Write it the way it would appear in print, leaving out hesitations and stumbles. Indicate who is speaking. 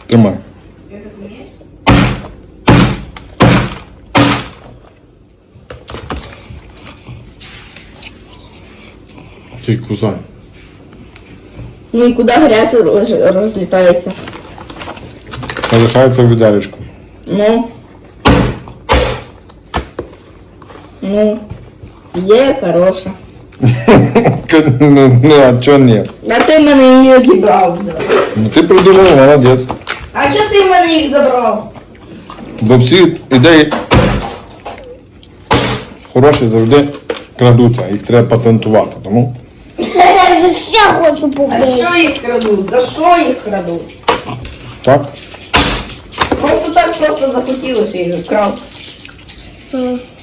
Speaker 1: Тримай. Ты кусай.
Speaker 2: Ну и куда грязь разлетается?
Speaker 1: Залишається в відеречку.
Speaker 2: Ну. Ну. Є хороша.
Speaker 1: Ну, а чого ні?
Speaker 2: А ти в мене її одібрав.
Speaker 1: Ну ти придумав, молодець.
Speaker 2: А чого ти в мене їх забрав?
Speaker 1: Бо всі ідеї хороші завжди крадуться, їх треба патентувати, тому...
Speaker 3: Я ще хочу
Speaker 2: А
Speaker 3: побити.
Speaker 2: що їх крадуть? За що їх крадуть?
Speaker 1: Так?
Speaker 2: Просто так просто захотілося їх вкрав.